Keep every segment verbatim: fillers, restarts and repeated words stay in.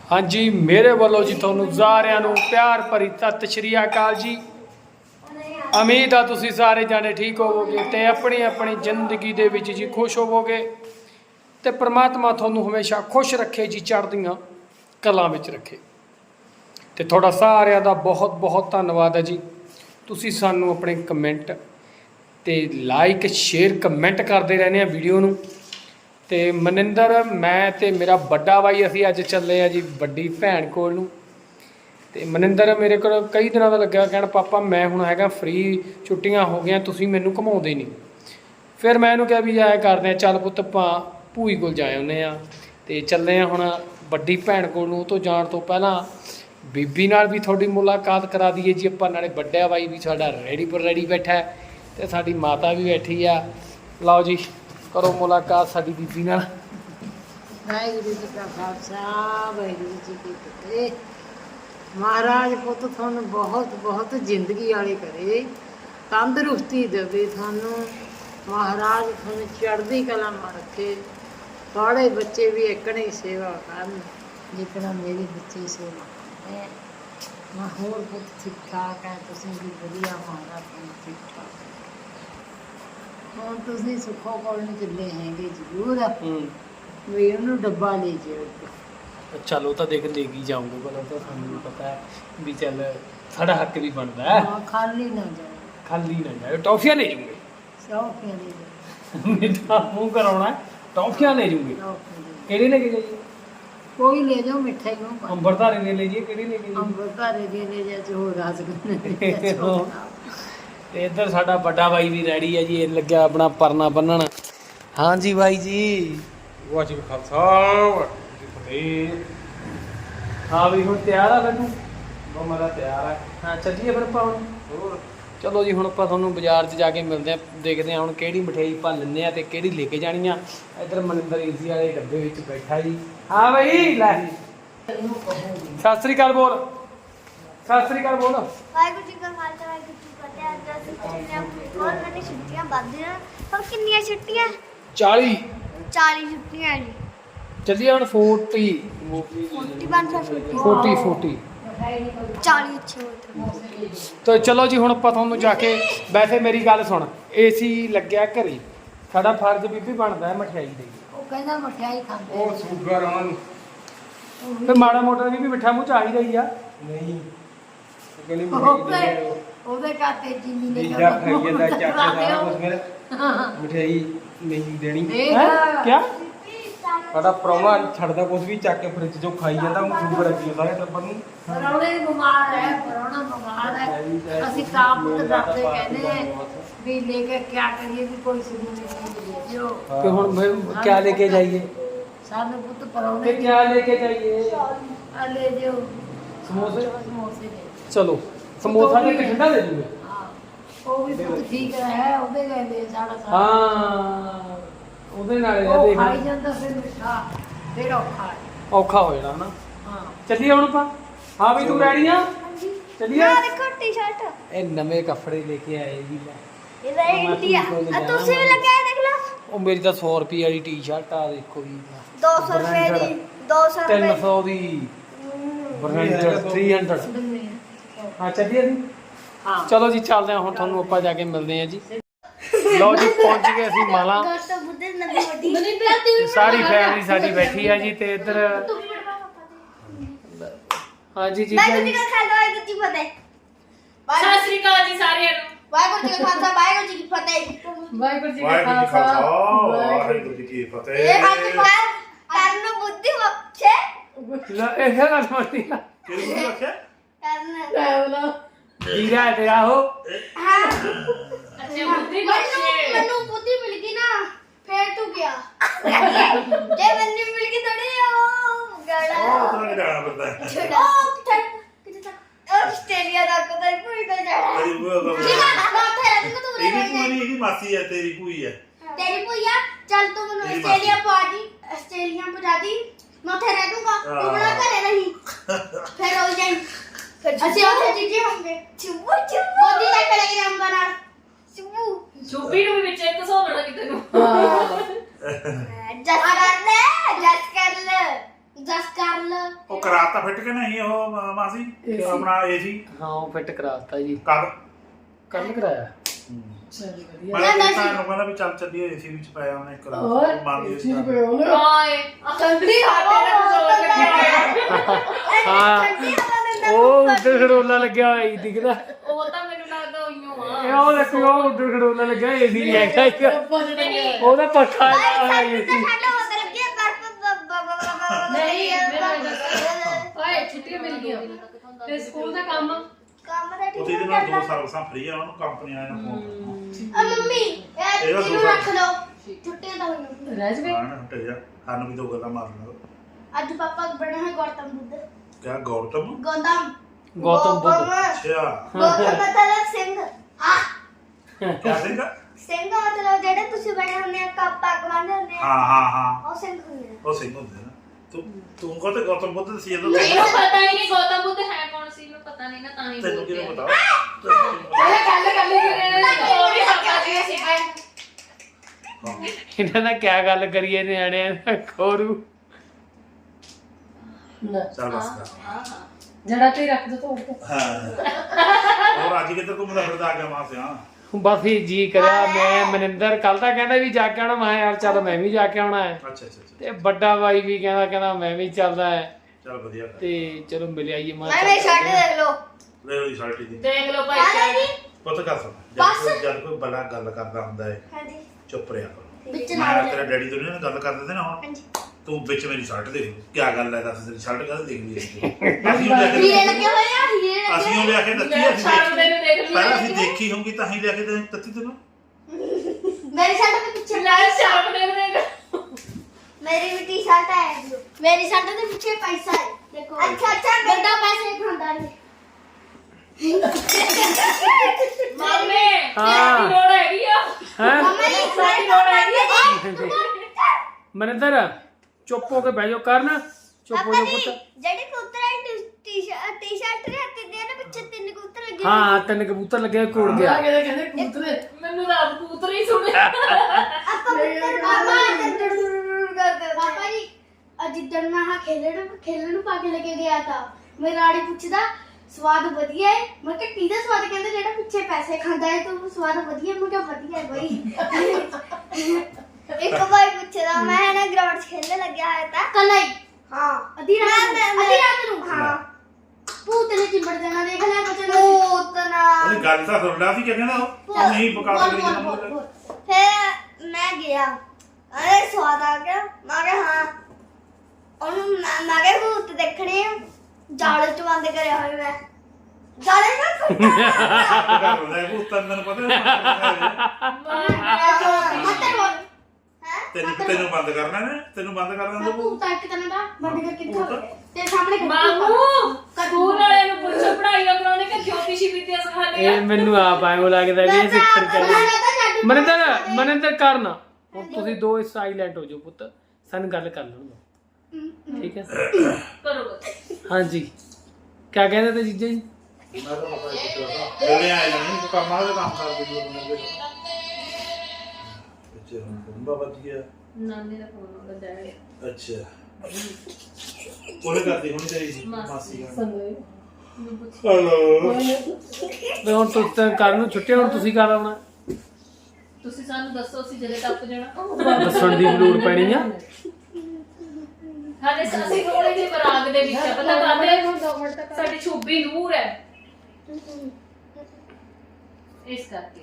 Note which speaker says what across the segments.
Speaker 1: हाँ जी मेरे वालों जी तुहानू सारिਆਂ ਨੂੰ प्यार भरी सत श्री अकाल जी। उम्मीद आ तुसी सारे जाने ठीक होवोगे ते अपनी अपनी जिंदगी दे विच जी खुश होवोगे ते परमात्मा तुहानू हमेशा खुश रखे जी, चढ़दियां कलां विच रखे। ते थोड़ा सारिਆਂ दा बहुत बहुत धन्नवाद है जी। तुसी सानू अपने कमेंट ते लाइक शेयर कमेंट करते रहने वीडियो नू। ते मनिंदर मैं ते मेरा बड़ा भाई असी अज चले आ जी बड़ी भैन कोल नू। ते मनिंदर मेरे को कई दिनों का लग्या कहण पापा मैं हुण हैगा फ्री, छुट्टियां हो गई तुसीं मैनू घुमाउंदे नहीं। फिर मैं इहनूं कहा भी जाया करदे चल पुत्त आपां भूई कोल जाए आउंदे आ। ते चले आ हुण बड़ी भैन कोल नूं। तो जाण तो पहलां बीबी नाल भी थोड़ी मुलाकात करा दईए जी आपां, नाले बड़ा भाई भी साडा रेडी पर रेडी बैठा है ते साडी माता भी बैठी आ। लाओ जी करो मुलाकात साडी बीबी नाल।
Speaker 2: वाहिगुरू जी का खालसा वाहिगुरू जी की फतेह। महाराज पुत थानू बहुत बहुत जिंदगी वाले करे, तंदरुस्ती देवे थानू महाराज, थानू चढ़दी कला में रखे। थोड़े बच्चे भी एकने ही सेवा करन जितना मेरे बच्चे सेवा करते हैं। मैं होर पुत ठीक ठाक है, तुसीं भी वधिया महाराज तुम ठीक ठाक। ਹੁਣ ਤੁਸੀਂ ਸੁੱਖੋ ਕੋਲ ਨੂੰ ਚੱਲੇ ਹੈਗੇ ਜ਼ਰੂਰ ਵੀ ਉਹਨੂੰ ਡੱਬਾ ਲੈ ਜਿਓ।
Speaker 1: ਚਲੋ ਤਾਂ ਦੇਖ ਲੈ ਕੇ ਜਾਉਂਗੇ ਭਲਾ, ਤਾਂ ਸਾਨੂੰ ਵੀ ਪਤਾ ਹੈ ਵੀ ਚੱਲ ਸਾਡਾ ਹੱਕ ਵੀ ਬਣਦਾ ਹੈ।
Speaker 2: ਹਾਂ ਖਾਲੀ ਨਾ ਜਾਓ,
Speaker 1: ਖਾਲੀ ਨਾ ਜਾਓ, ਟੌਫੀਆਂ ਲੈ ਜੂਗੇ।
Speaker 2: ਟੌਫੀਆਂ ਲੈ ਜਾਓ,
Speaker 1: ਮਿੱਠਾ ਮੂੰਹ ਕਰਾਉਣਾ, ਟੌਫੀਆਂ ਲੈ ਜੂਗੇ। ਕਿਹੜੇ ਲੈ ਕੇ ਜਾਈਏ?
Speaker 2: ਕੋਈ ਲੈ ਜਾਓ ਮਿੱਠਾਈ ਨੂੰ।
Speaker 1: ਅੰਬਰਧਾਰੇ ਦੇ ਲੈ ਜਾਈਏ, ਕਿਹੜੀ ਲੈ ਕੇ ਜਾਈਏ?
Speaker 2: ਅੰਬਰਧਾਰੇ ਦੇ ਲੈ ਜਾ ਜੋ ਰਸਗੁੱਲੇ।
Speaker 1: ਤੇ ਇੱਧਰ ਸਾਡਾ ਵੱਡਾ ਬਾਈ ਵੀ ਰੈਡੀ ਹੈ ਜੀ, ਇਹ ਲੱਗਿਆ ਆਪਣਾ ਪਰਨਾ ਬੰਨਣ। ਹਾਂ ਜੀ ਬਾਈ ਜੀ, ਵਾਹ ਜੀ ਖਾਲਸਾ ਵਾਹਿਗੁਰੂ ਜੀ ਫਤਿਹ। ਹਾਂ ਵੀ ਹੁਣ ਤਿਆਰ ਆ ਲੱਡੂ? ਬਹੁਤ ਮਾਰਾ ਤਿਆਰ ਆ। ਹਾਂ ਚੱਲੀਏ ਫਿਰ ਆਪਾਂ ਹੁਣ। ਹੋਰ ਚਲੋ ਜੀ ਹੁਣ ਆਪਾਂ ਤੁਹਾਨੂੰ ਬਾਜ਼ਾਰ 'ਚ ਜਾ ਕੇ ਮਿਲਦੇ ਆ, ਦੇਖਦੇ ਆ ਹੁਣ ਕਿਹੜੀ ਮਠਿਆਈ ਆਪਾਂ ਲੈਂਦੇ ਆ ਤੇ ਕਿਹੜੀ ਲੈ ਕੇ ਜਾਣੀ ਆ। ਇੱਧਰ ਮਨਿੰਦਰ ਏਸੀ ਵਾਲੇ ਡੱਬੇ ਵਿੱਚ ਬੈਠਾ ਜੀ। ਹਾਂ ਬਾਈ ਲੈ ਸਤਿ ਸ੍ਰੀ ਅਕਾਲ ਬੋਲ, ਸਤਿ ਸ੍ਰੀ ਅਕਾਲ ਬੋਲ।
Speaker 3: ਵਾਹਿਗੁਰੂ ਜੀ ਕਾ ਖਾਲਸਾ ਵਾਹਿਗੁਰੂ ਜੀ ਕੀ ਫਤਿਹ। ਅੱਜ ਅਸੀਂ ਚੱਲੇ ਹਾਂ ਫੁੱਟਬਾਲ, ਮੈਨੇ ਛੁੱਟੀਆਂ ਵੱਧਦੀਆਂ। ਹੁਣ ਕਿੰਨੀਆਂ ਛੁੱਟੀਆਂ?
Speaker 1: ਚਾਲੀ
Speaker 3: ਚਾਲੀ ਛੁੱਟੀਆਂ ਜੀ।
Speaker 1: ਚੱਲੀਏ ਹੁਣ ਫੋਰਟੀ
Speaker 3: ਫੋਰਟੀ ਬਣ ਸਕਦੀ
Speaker 1: ਫੋਰਟੀ ਫੋਰਟੀ
Speaker 3: ਚਾਲੀ ਅੱਛੇ ਹੋਏ।
Speaker 1: ਤਾਂ ਚਲੋ ਜੀ ਹੁਣ ਆਪਾਂ ਤੁਹਾਨੂੰ ਜਾ ਕੇ, ਵੈਸੇ ਮੇਰੀ ਗੱਲ ਸੁਣ, ਏਸੀ ਲੱਗਿਆ ਘਰੇ, ਸਾਡਾ ਫਰਜ਼ ਬੀਬੀ ਬਣਦਾ ਹੈ ਮਠਿਆਈ ਦੇ।
Speaker 2: ਉਹ ਕਹਿੰਦਾ ਮਠਿਆਈ ਖਾਂਦੇ
Speaker 1: ਉਹ ਸ਼ੂਗਰ ਉਹਨਾਂ ਨੂੰ ਤੇ ਮਾੜਾ ਮੋਟਾ ਵੀ ਮਿੱਠਾ ਮੂੰਹ ਚਾਹੀਦਾ ਹੀ ਆ। ਨਹੀਂ
Speaker 2: ਉਹਦੇ ਉਹਦੇ ਕਾਤੇ ਚੀਨੀ ਨੇ
Speaker 4: ਜੀਜਾ ਖਾਈ ਜਾਂਦਾ ਚੱਕ ਕੇ ਸਾਰਾ ਕੁਝ ਮੇਰਾ ਮਠਿਆਈ ਨਹੀਂ ਦੇਣੀ
Speaker 1: ਹੈ ਕਿਆ?
Speaker 4: ਸਾਡਾ ਪ੍ਰਾਹੁਣਾ ਛੱਡਦਾ ਕੁਝ ਵੀ ਚੱਕ ਕੇ ਫ੍ਰਿਜ ਚੋਂ ਖਾਈ ਜਾਂਦਾ, ਉਹ ਸ਼ੂਗਰ ਲੱਗੀ ਸਾਰੇ ਟੱਬਰ ਨੂੰ।
Speaker 2: ਪਰੌਣੇ ਬਿਮਾਰ ਹੈ, ਪਰੌਣਾ ਬਿਮਾਰ ਹੈ। ਅਸੀਂ ਤਾਂ ਪੁੱਤ ਦਾਦੇ ਕਹਿੰਦੇ ਵੀ ਲੈ ਕੇ ਕਿਆ ਕਰੀਏ ਵੀ ਕੋਈ ਸੁਣੀ ਨਹੀਂ ਦਿਓ।
Speaker 1: ਤੇ ਹੁਣ ਮੈਂ ਕਿਆ ਲੈ ਕੇ ਜਾਈਏ?
Speaker 2: ਸਾਨੂੰ ਪੁੱਤ
Speaker 1: ਤੇ
Speaker 2: ਪਰੌਣੇ
Speaker 1: ਕਿਆ ਲੈ ਕੇ ਜਾਈਏ?
Speaker 2: ਆ ਲੈ ਜਿਓ
Speaker 1: ਸਮੋਸੇ।
Speaker 2: ਸਮੋਸੇ ਦੇ
Speaker 1: ਚਲੋ ਸਮੋਸਾ ਤੇ ਠੰਡਾ ਲੈ ਜੂਗੇ।
Speaker 2: ਹਾਂ ਉਹ ਵੀ ਪੁੱਤ ਠੀਕ ਹੈ, ਉਹਦੇ ਕਹਿੰਦੇ ਸਾਡਾ ਸਾਰਾ
Speaker 1: ਹਾਂ ਉਹਦੇ ਨਾਲ ਇਹ
Speaker 2: ਉਹ
Speaker 1: ਦੇਖ
Speaker 2: ਖਾਈ ਜਾਂਦਾ ਫਿਰ ਮਿੱਠਾ, ਫਿਰ ਔਖਾ ਹੈ।
Speaker 1: ਔਖਾ ਹੋ ਜਾਣਾ ਹਨਾ।
Speaker 2: ਹਾਂ
Speaker 1: ਚੱਲੀਏ ਹੁਣ ਆਪਾਂ। ਹਾਂ ਵੀ ਤੂੰ ਰੈਡੀ ਆ?
Speaker 3: ਹਾਂਜੀ
Speaker 1: ਚੱਲੀਏ।
Speaker 3: ਆਹ ਦੇਖੋ ਟੀ-ਸ਼ਰਟ,
Speaker 1: ਇਹ ਨਵੇਂ ਕੱਪੜੇ ਲੈ ਕੇ ਆਏ ਜੀ ਲੈ।
Speaker 3: ਇਹਦਾ ਇੰਡੀਆ। ਆ ਤੁਸੀਂ ਵੀ ਲਗਾਇਆ ਦੇਖ ਲਓ।
Speaker 1: ਉਹ ਮੇਰੀ ਤਾਂ ਸੌ ਰੁਪਏ ਵਾਲੀ ਟੀ-ਸ਼ਰਟ ਆ, ਦੇਖੋ ਜੀ
Speaker 3: ਦੋ ਸੌ ਰੁਪਏ ਦੀ, ਦੋ ਸੌ
Speaker 1: ਤਿੰਨ
Speaker 3: ਰੁਪਏ
Speaker 1: ਸੌ ਦੀ ਬ੍ਰਾਂਡਡ ਤਿੰਨ ਸੌ। ਹਾਂ ਚੱਲੀਏ ਜੀ।
Speaker 2: ਹਾਂ
Speaker 1: ਚਲੋ ਜੀ ਚੱਲਦੇ ਹਾਂ ਹੁਣ, ਤੁਹਾਨੂੰ ਆਪਾਂ ਜਾ ਕੇ ਮਿਲਦੇ ਹਾਂ ਜੀ। ਲਓ ਜੀ ਪਹੁੰਚ ਗਏ ਅਸੀਂ ਮਾਲਾ।
Speaker 3: ਗੋਤਮ ਬੁੱਧ ਨਦੀ ਵੱਡੀ
Speaker 1: ਤੇ ਸਾਰੀ ਫੈਮਿਲੀ ਸਾਡੀ ਬੈਠੀ ਹੈ ਜੀ। ਤੇ ਇੱਧਰ ਹਾਂ ਜੀ ਜੀ
Speaker 3: ਵਾਹਿਗੁਰੂ ਜੀ ਕਾ ਖਾਲਸਾ ਵਾਹਿਗੁਰੂ ਜੀ ਕੀ ਫਤਿਹ।
Speaker 5: ਸਤਿ ਸ੍ਰੀ ਅਕਾਲ ਜੀ ਸਾਰਿਆਂ ਨੂੰ।
Speaker 3: ਵਾਹਿਗੁਰੂ ਜੀ ਕਾ ਖਾਲਸਾ ਵਾਹਿਗੁਰੂ ਜੀ ਕੀ ਫਤਿਹ।
Speaker 2: ਵਾਹਿਗੁਰੂ ਜੀ
Speaker 6: ਵਾਹਿਗੁਰੂ
Speaker 2: ਕਾ
Speaker 6: ਜੀ ਕਾ
Speaker 2: ਖਾਲਸਾ
Speaker 6: ਖਾਲਸਾ ਵਾਹਿਗੁਰੂ ਜੀ ਕੀ
Speaker 3: ਇਹ
Speaker 6: ਫਤਿਹ।
Speaker 3: ਹੱਥ ਮਾਰ ਕਰਨ ਬੁੱਧੀ ਬਖਸ਼ੇ।
Speaker 1: ਲੈ ਇਹ ਗੱਲ ਸੁਣਦੀ ਆ।
Speaker 6: ਕਿਹੜੀ ਬੁੱਧੀ ਰੱਖਿਆ?
Speaker 3: ਕਰਨ
Speaker 1: ਵੀਰਾ ਹੈ ਤੇਰਾ ਉਹ।
Speaker 3: ਹਾਂ
Speaker 5: ਅੱਛਾ ਬੁੱਧੀ
Speaker 3: ਮੈਨੂੰ
Speaker 5: ਬਖਸ਼ੇ।
Speaker 3: ਮੈਨੂੰ ਬੁੱਧੀ ਮਿਲ ਗਈ ਨਾ, ਫੇਰ ਤੂੰ ਗਿਆ। ਜੇ ਮੈਨੂੰ ਮਿਲ ਗਈ ਥੋੜੀ ਉਹ ਗੜਾ
Speaker 6: ਉਹ ਤਾਂ ਜਾਣਾ ਪੈਂਦਾ ਹੈ।
Speaker 3: ਛੋੜਾ ਕਿੱਥੇ ਤੱਕ? ਆਸਟ੍ਰੇਲੀਆ ਦਾ ਕਦੇ ਕੋਈ ਨਾ ਜਾਣਾ।
Speaker 6: ਤੇਰੀ ਭੂਆ ਦਾ
Speaker 3: ਜੀ ਨਾ ਮਾਥੇ ਰੱਖ ਤੂੰ
Speaker 6: ਇਹਦੀ
Speaker 3: ਰਹਿ
Speaker 6: ਭੂਆ ਨਹੀਂ, ਇਹਦੀ ਮਾਸੀ ਹੈ, ਤੇਰੀ ਭੂਈ ਹੈ।
Speaker 3: तेरी भैया चल तू मैं
Speaker 6: तेरी
Speaker 3: ऑस्ट्रेलिया पहुंची, ऑस्ट्रेलिया पहुंचा दी, मैं उठे रह दूंगा, तू बड़ा करे नहीं, फिर हो जाए, अच्छे अच्छे चीजें होंगे, चुप्पू चुप्पू, गोदी तक करेंगे हम बना, चुप्पू,
Speaker 5: ਚੁੱਪੀ ਨੂੰ ਵੀ ਵਿੱਚ ਇੱਕ ਸੋਹਣਾ ਕਿਤੇ ਨੂੰ।
Speaker 3: जस कर ले, जस कर ले, जस कर ले,
Speaker 6: ਉਹ ਕਰਾਤਾ ਫਿੱਟ ਕੇ ਨਹੀਂ ਉਹ ਮ- ਮਾਸੀ
Speaker 1: ਏਸੀ।
Speaker 6: ਆਪਣਾ ਏਸੀ
Speaker 1: ਹਾਂ ਉਹ ਫਿੱਟ ਕਰਾਤਾ ਜੀ
Speaker 6: ਕਦ
Speaker 1: ਕੱਲ ਕਰਾਇਆ ਚਲ ਵਧੀਆ
Speaker 6: ਮੈਂ ਤਾਂ ਨੂੰ ਕਹਿੰਦਾ ਵੀ ਚੱਲ ਚੱਲੀਏ ਏਸੀ ਵਿੱਚ ਪਾਇਆ ਉਹਨੇ ਕਰਾ
Speaker 1: ਹੋਰ
Speaker 6: ਮੰਨਦੀ
Speaker 1: ਏਸੀ
Speaker 6: ਸੀ
Speaker 1: ਪਏ ਉਹਨੇ
Speaker 5: ਹਾਏ ਅਖੰਡੀ ਸਾਡੇ ਨਾਲ ਜ਼ੋਰ ਲੱਗਿਆ
Speaker 1: ਹਾਂ
Speaker 3: ਠੰਡੀ ਹਵਾ ਦਿੰਦਾ
Speaker 1: ਉਹ ਉੱਧਰ ਖੜੋਲਾ ਲੱਗਿਆ ਹੋਇਆ ਸੀ ਦਿਖਦਾ
Speaker 5: ਉਹ ਤਾਂ ਮੈਨੂੰ ਲੱਗਦਾ ਉਈਓ
Speaker 1: ਇਹ
Speaker 5: ਆ
Speaker 1: ਉਹ ਦੇਖੋ ਉਹ ਉੱਧਰ ਖੜੋਲਾ ਲੱਗਿਆ ਏਸੀ ਨਹੀਂ ਹੈਗਾ ਇੱਕ। ਉਹਦਾ ਪੱਖਾ ਲਾਇਆ ਹੋਇਆ ਏਸੀ
Speaker 3: ਠੰਡਾ ਹੋ ਕੇ ਲੱਗਿਆ ਬਰਫ
Speaker 5: ਨਹੀਂ ਮੈਨੂੰ ਓਏ ਛੁੱਟੀਆਂ ਮਿਲ ਗਈਆਂ ਤੇ ਸਕੂਲ ਦਾ ਕੰਮ
Speaker 3: ਕੰਮ ਦਾ
Speaker 6: ਉਹ ਤੇ ਇਹਦੇ ਨਾਲ ਦੋ ਸਰਵਿਸਾਂ ਫ੍ਰੀ ਆ ਉਹਨੂੰ ਕੰਪਨੀ ਵਾਲਿਆਂ ਨੂੰ ਫੋਨ
Speaker 3: ਆ ਮੰਮੀ ਇਹ
Speaker 6: ਇਹਦਾ
Speaker 3: ਇਹਨੂੰ
Speaker 6: ਦੂਸਰਾ।
Speaker 3: ਰੱਖ ਲਓ ਛੁੱਟੀਆਂ ਤਾਂ ਹੋਈਆਂ
Speaker 5: ਰਹਿ ਜਵੇ
Speaker 6: ਹਾਂ ਹਟ ਜਾ ਸਾਨੂੰ ਵੀ ਦੋ ਗੱਲਾਂ ਮਾਰਨਾ
Speaker 3: ਅੱਜ ਪਾਪਾ ਬਣੇ ਹੋਏ ਗੌਤਮ ਬੁੱਧ
Speaker 6: ਕਿਆ ਗੌਤਮ
Speaker 3: ਗੌਤਮ
Speaker 1: ਗੌਤਮ ਬੁੱਧ
Speaker 6: ਅੱਛਾ
Speaker 3: ਗੌਤਮ ਮਤਲਬ ਸਿੰਘ ਆ
Speaker 6: ਕਿਆ ਸਿੰਘਾ
Speaker 3: ਸਿੰਘ ਮਤਲਬ ਜਿਹੜੇ ਤੁਸੀਂ ਬਣੇ ਹੁੰਦੇ ਆ ਕੱਪ ਪੱਗ ਬੰਨ੍ਹਦੇ ਹੁੰਦੇ ਆ
Speaker 6: ਹਾਂ ਹਾਂ ਹਾਂ
Speaker 3: ਉਹ ਸਿੰਘ ਹੁੰਦੇ ਆ
Speaker 6: ਉਹ ਸਿੰਘ ਹੁੰਦੇ ਨਾ ਤੂੰ ਤੂੰ ਕੋ ਤੇ ਗੌਤਮ ਬੁੱਧ ਸੀ ਇਹਦਾ
Speaker 5: ਮੈਨੂੰ ਪਤਾ ਹੀ ਨਹੀਂ ਗੌਤਮ ਬੁੱਧ ਹੈ ਕੌਣ ਸੀ ਮੈਨੂੰ ਪਤਾ ਨਹੀਂ ਨਾ ਤਾਂ ਹੀ
Speaker 6: ਤੈਨੂੰ ਕਿਵੇਂ
Speaker 5: ਬੋਲਦੇ ਆ
Speaker 6: ਪਤਾ
Speaker 5: ਪਹਿਲੇ ਗੱਲ ਕਰ ਲਈ ਉਹ ਵੀ ਪਤਾ ਸੀ ਸੀਗਾ
Speaker 1: ਇਹਨਾਂ ਨਾਲ ਕਿਆ ਗੱਲ ਕਰੀਏ ਨਿਆਣਿਆਂ ਨਾਲ ਖੋਰੂ
Speaker 6: ਚੱਲ ਬਸ ਕਰ
Speaker 5: ਜੜਾ ਤੇ ਰੱਖ ਦੋ ਤੋੜ ਕੇ
Speaker 6: ਹਾਂ ਹੋਰ ਅੱਜ ਕਿੱਧਰ ਘੁੰਮਦਾ ਫਿਰਦਾ ਆ ਗਿਆ ਮਾਂ ਸਿਆ
Speaker 1: ਬਸ ਹੀ ਜੀ ਕਰਿਆ ਮੈਂ ਮਨਿੰਦਰ ਕੱਲ ਤਾਂ ਕਹਿੰਦਾ ਵੀ ਜਾ ਕੇ ਆਉਣਾ ਮੈਂ ਕਿਹਾ ਯਾਰ ਚੱਲ ਮੈਂ ਵੀ ਜਾ ਕੇ ਆਉਣਾ ਹੈ
Speaker 6: ਅੱਛਾ ਅੱਛਾ ਅੱਛਾ
Speaker 1: ਤੇ ਵੱਡਾ ਭਾਈ ਵੀ ਕਹਿੰਦਾ ਕਹਿੰਦਾ ਮੈਂ ਵੀ ਚੱਲਦਾ ਹੈ
Speaker 6: ਚੱਲ ਵਧੀਆ ਕਰ
Speaker 1: ਤੇ ਚਲੋ ਮਿਲ ਆਈਏ ਮੈਂ
Speaker 3: ਮੈਂ ਮੇਰੀ ਸ਼ਰਟ ਦੇਖ ਲਓ
Speaker 6: ਲੈ ਲਈ ਸਾਲਟੀ ਦੀ
Speaker 5: ਦੇਖ ਲਓ ਭਾਈ
Speaker 3: ਆ
Speaker 5: ਸਾਹਿਬ
Speaker 3: ਜੀ
Speaker 6: ਪਤਾ ਕਰ ਸਕ
Speaker 3: ਬਸ।
Speaker 6: ਜਦ ਕੋਈ ਜਦ ਕੋਈ ਬੜਾ ਗੱਲ ਕਰਦਾ ਹੁੰਦਾ ਹੈ
Speaker 3: ਹਾਂਜੀ
Speaker 6: ਚੁੱਪ ਰਿਹਾ ਕਰੋ
Speaker 3: ਵਿੱਚ
Speaker 6: ਮੈਂ
Speaker 3: ਨਾਲ
Speaker 6: ਤੇਰਾ ਡੈਡੀ ਤੋਂ ਨਹੀਂ ਗੱਲ ਕਰ ਦਿੰਦੇ ਨਾ ਹੁਣ
Speaker 3: ਹਾਂਜੀ
Speaker 6: ਤੂੰ ਵਿੱਚ ਮੇਰੀ ਸ਼ਰਟ ਦੇਖ ਕੀ ਗੱਲ ਹੈ ਦੱਸ ਤੇਰੀ ਸ਼ਰਟ ਕਾਹਦੇ ਦੇਖ ਲਈ ਅਸੀਂ ਉਹ ਲੈ
Speaker 3: ਹੀਰੇ
Speaker 6: ਕੇ
Speaker 3: ਲੱਗੇ ਹੋਏ ਆ ਹੀਰੇ ਲੱਗੇ
Speaker 6: ਅਸੀਂ ਉਹ ਲਿਆ ਕੇ ਦਿੱਤੀ
Speaker 5: ਮੈਂ
Speaker 6: ਅਸੀਂ
Speaker 5: ਸ਼ਾਮ
Speaker 6: ਦੇਖੀ
Speaker 5: ਨੂੰ ਦੇਖ
Speaker 6: ਪਹਿਲਾਂ
Speaker 5: ਲਈ
Speaker 6: ਅਸੀਂ ਦੇਖੀ ਹੋਊਗੀ ਤਾਂ ਹੀ ਲਿਆ ਕੇ ਦੇ- ਦਿੱਤੀ ਤੈਨੂੰ
Speaker 3: ਮੇਰੀ ਸ਼ਰਟ ਦੇ ਪਿੱਛੇ
Speaker 5: ਲੈ ਸ਼ਾਮ ਨੂੰ ਦੇਖ
Speaker 3: ਮੇਰੀ ਵੀ ਟੀ-ਸ਼ਰਟ ਹੈ ਮੇਰੀ ਸ਼ਰਟ ਦੇ ਪਿੱਛੇ ਪੈਸਾ ਹੈ ਦੇਖੋ ਅੱਛਾ ਅੱਛਾ ਬੰਦਾ ਪੈਸੇ ਖਾਂਦਾ ਨਹੀਂ
Speaker 5: ਮਾਮੇ
Speaker 1: ਹਾਂ।
Speaker 5: ਕੀ ਲੋੜ ਹੈਗੀ ਆ
Speaker 1: ਹੈ
Speaker 3: ਮੰਮਾ ਜੀ
Speaker 5: ਸਾਡੀ ਲੋੜ ਹੈਗੀ
Speaker 1: ਮਨਿੰਦਰ ਚੁੱਪ ਹੋ ਕੇ ਬਹਿ ਜਾਓ ਕਰਨ ਚੁੱਪ ਹੋ
Speaker 3: ਪਾਪਾ
Speaker 1: ਜਾਓ
Speaker 3: ਜੀ
Speaker 1: ਪੁੱਤ
Speaker 3: ਜਿਹੜੇ ਕਬੂਤਰ ਟੀ-ਸ਼ਰਟ ਟੀ-ਸ਼ਰਟ ਨੇ ਹੱਥ ਦੇ ਨਾ ਪਿੱਛੇ ਤਿੰਨ ਕਬੂਤਰ ਲੱਗੇ ਹੋਏ।
Speaker 1: ਹਾਂ ਤਿੰਨ ਕਬੂਤਰ ਲੱਗੇ ਕੋੜ ਗਿਆ
Speaker 5: ਮੈਨੂੰ ਰੱਬ ਕਬੂਤਰ ਹੀ ਸੁਣਿਆ
Speaker 3: ਆਪਾਂ ਕਬੂਤਰ ਪਾਪਾ ਪਾਪਾ ਜੀ ਅੱਜ ਜਿੱਦਣ ਮੈਂ ਹਾਂ ਖੇਲਣ ਖੇਲਣ ਨੂੰ ਪਾ ਕੇ ਲੈ ਕੇ ਗਿਆ ਤਾਂ ਮੇਰਾ ਆੜੀ ਪੁੱਛਦਾ ਸਵਾਦ ਵਧੀਆ ਹੈ ਮੈਂ ਕਿਹਾ ਕਿਹਦਾ ਸਵਾਦ ਕਹਿੰਦਾ ਜਿਹੜਾ ਪਿੱਛੇ ਪੈਸੇ ਖਾਂਦਾ ਹੈ ਤੂੰ ਸਵਾਦ ਵਧੀਆ ਮੈਂ ਕਿਹਾ ਵਧੀਆ ਹੈ ਬਈ ਇੱਕ ਵਾਰ ਪੁੱਛਦਾ ਮੈਂ ਨਾ ਗਰਾਊਂਡ 'ਚ ਖੇਲਣ ਲੱਗਿਆ ਹੋਇਆ ਤਾਂ ਕੱਲ ਹੀ ਹਾਂ ਅੱਧੀ ਰਾਤ ਨੂੰ ਅੱਧੀ ਰਾਤ ਨੂੰ ਹਾਂ ਭੂਤ ਨੇ ਚਿੰਬੜ ਜਾਣਾ ਦੇਖ ਲੈ ਬੱਚੇ ਭੂਤ ਨਾ
Speaker 6: ਉਹਦੀ ਗੱਲ ਤਾਂ ਸੁਣ ਲਿਆ ਸੀ ਕਿ ਕਹਿੰਦਾ ਉਹ ਉਹ ਨਹੀਂ ਪਕਾ
Speaker 3: ਬੋਲ,
Speaker 6: ਕੇ
Speaker 3: ਬੋਲ, ਬੋਲ, ਬੋਲ। ਫਿਰ ਮੈਂ ਗਿਆ ਅਰੇ ਸਵਾਦ ਆ ਗਿਆ ਮੈਂ ਕਿਹਾ ਹਾਂ ਉਹਨੂੰ ਮੈਂ ਮੈਂ ਕਿਹਾ ਭੂਤ ਦੇਖਣੇ ਆ ਜਾਲੇ ਚ ਬੰਦ ਕਰਿਆ ਹੋਇਆ ਮੈਂ ਜਾਲੇ ਚ
Speaker 6: ਗੱਲ ਹੁੰਦਾ ਹੈ ਉਹ ਤਾਂ ਮੈਨੂੰ ਪਤਾ
Speaker 3: ਮੱਤੇ ਬੋਲ ਹੈ
Speaker 6: ਤੈਨੂੰ ਤੈਨੂੰ ਬੰਦ ਕਰਨਾ ਨੇ ਤੈਨੂੰ ਬੰਦ ਕਰ ਦਿੰਦੇ ਉਹ
Speaker 3: ਭੂਤ ਇੱਕ ਤਨ ਦਾ ਬੰਦ ਕਰਕੇ ਦਿਖਾ ਤੇ ਸਾਹਮਣੇ
Speaker 5: ਮਾਮੂ ਸਕੂਲ ਵਾਲਿਆਂ ਨੂੰ ਪੁੱਛੋ ਪੜਾਈਆਂ ਕਰਾਉਣੇ ਕਿ ਜੋਤਿਸ਼ੀ ਵਿਦਿਆ ਸਿਖਾਣੇ ਆ
Speaker 1: ਇਹ ਮੈਨੂੰ ਆਪ ਆਇਓ ਲੱਗਦਾ ਵੀ ਇਹ ਸਿੱਖਣ ਚਾਹੀਦਾ ਮਨਿੰਦਰ ਮਨਿੰਦਰ ਕਰਨ ਹੁਣ ਤੁਸੀਂ ਦੋ ਸਾਈਲੈਂਟ ਹੋ ਜਾਓ ਪੁੱਤ ਸਾਨੂੰ ਗੱਲ ਕਰ ਲੈਣ ਦਿਓ ਠੀਕ ਹੈ
Speaker 5: ਕਰੋ ਬਸ।
Speaker 1: ਹਾਂਜੀ ਕਿਆ ਕਹਿੰਦੇ ਤੇ ਜੀਜਾ ਜੀ
Speaker 6: ਮੈਂ ਤਾਂ ਪਤਾ ਹੀ ਪੁੱਛਦਾ ਬੋਲੇ ਆਏ ਨਹੀਂ ਤੂੰ ਕੰਮ ਆਲੇ ਕੰਮ ਕਰ ਦੇ ਬੰਦੇ ਅੱਛਾ ਹੁਣ ਬੰਦਾ ਵੱਜ ਗਿਆ
Speaker 5: ਨਾਨੇ ਦਾ ਫੋਨ ਆਉਂਦਾ ਡੈਡੀ
Speaker 6: ਅੱਛਾ ਉਹਨੇ ਕਰਦੀ ਹੋਣੀ ਚਾਹੀਦੀ ਮਾਸੀ ਹਲੋ
Speaker 1: ਤੇ ਹੁਣ ਤੁਸੀਂ ਕਰਨ ਨੂੰ ਛੁੱਟੀ ਹੁਣ ਤੁਸੀਂ ਕਰ ਆਉਣਾ
Speaker 5: ਤੁਸੀਂ ਸਾਨੂੰ ਦੱਸੋ ਅਸੀਂ ਜਦੇ ਟੱਪ ਜਾਣਾ
Speaker 1: ਦੱਸਣ ਦੀ ਲੋੜ ਪੈਣੀ ਆ
Speaker 5: ਹਾਲੇ ਅਸੀਂ ਥੋੜੇ ਜਿਹੇ ਬਰਾਗ ਦੇ ਵਿੱਚ ਆ, ਪਤਾ ਕਰਦੇ ਸਾਡੀ ਛੁੱਬੀ ਨੂਰ ਹੈ ਇਸ ਕਰਕੇ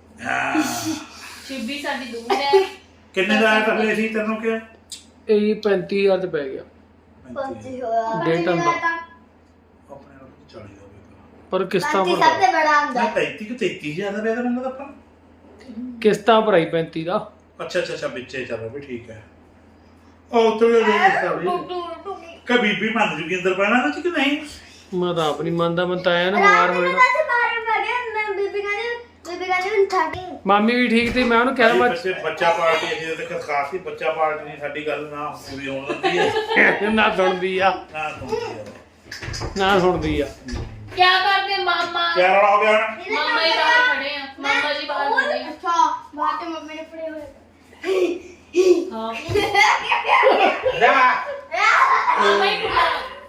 Speaker 5: ਛੁੱਬੀ ਸਾਡੀ ਦੂਰ ਹੈ
Speaker 6: ਕਿੰਨੇ ਦਾ ਆਇਆ ਤਾਂ ਸੀ ਤੈਨੂੰ ਕਿਹਾ
Speaker 1: ਇਹ ਪੈਂਤੀ ਹਜ਼ਾਰ ਚ ਪੈ ਗਿਆ
Speaker 3: ਪੰਜੀ ਹੋਇਆ
Speaker 1: ਡੇਢ ਟਨ ਦਾ
Speaker 6: ਆਪਣੇ ਨਾਲ ਚਾਲੀ ਦਾ ਹੋਵੇਗਾ
Speaker 1: ਪਰ ਕਿਸ਼ਤਾਂ
Speaker 3: ਪੰਜੀ
Speaker 1: ਭਰ
Speaker 3: ਸਭ ਤੋਂ ਬੜਾ ਹੁੰਦਾ
Speaker 6: ਮੈਂ ਪੈਂਤੀ ਕਿ ਤੇਤੀ ਹਜ਼ਾਰ ਦਾ ਵੇਦਾ ਮੈਨੂੰ ਤਾਂ ਆਪਾਂ
Speaker 1: ਕਿਸ਼ਤਾਂ ਭਰਾਈ ਪੈਂਤੀ ਦਾ
Speaker 6: ਅੱਛਾ ਅੱਛਾ ਅੱਛਾ ਵਿੱਚੇ ਚੱਲ ਵੀ ਠੀਕ ਹੈ ਉਹ ਤੋਂ ਇਹ ਕਾ ਬੀਬੀ ਮੰਨ ਜੂਗੀ ਅੰਦਰ ਪੈਣਾ ਨਾ ਕਿ ਨਹੀਂ
Speaker 1: ਮੈਂ ਤਾਂ ਆਪ ਨਹੀਂ ਮੰਨਦਾ ਮੈਂ ਤਾਂ ਆਇਆ ਨਾ ਬਿਮਾਰ ਹੋ ਜਾਣਾ
Speaker 3: ਪਾਸੇ ਬਾਹਰ ਪਾ ਗਿਆ ਮੈਂ ਬੀਬੀ ਕਹਿੰਦੀ ਬੀਬੀ ਕਹਿੰਦੀ ਠਾਕੀ
Speaker 1: ਮਾਮੀ ਵੀ ਠੀਕ ਸੀ ਮੈਂ ਉਹਨੂੰ ਕਿਹਾ ਮੈਂ
Speaker 6: ਬੱਚੇ ਬੱਚਾ ਪਾਰਟੀ ਅਸੀਂ ਤੇ ਖਾਸ ਹੀ ਬੱਚਾ ਪਾਰਟੀ ਨਹੀਂ ਸਾਡੀ ਗੱਲ ਨਾ ਪੂਰੀ ਹੋਣ ਦਿੰਦੀ ਹੈ
Speaker 1: ਨਾ ਸੁਣਦੀ ਆ
Speaker 6: ਨਾ ਸੁਣਦੀ ਹੈ
Speaker 1: ਨਾ ਸੁਣਦੀ ਆ
Speaker 5: ਕੀ ਕਰਦੇ ਮਾਮਾ
Speaker 6: ਕਿਆ ਰੌਲਾ ਹੋ ਗਿਆ ਹੁਣ
Speaker 5: ਮਾਮਾ ਹੀ ਬਾਹਰ ਖੜੇ ਆ ਮਾਮਾ ਜੀ ਬਾਹਰ ਖੜੇ ਆ
Speaker 3: ਅੱਛਾ ਬਾਹਰ ਤੇ ਮੰਮੀ ਨੇ ਪੜੇ ਹੋਏ
Speaker 5: ਹਾਂ
Speaker 6: ਲੈ
Speaker 5: ਮਾਮਾ ਹੀ ਖੜਾ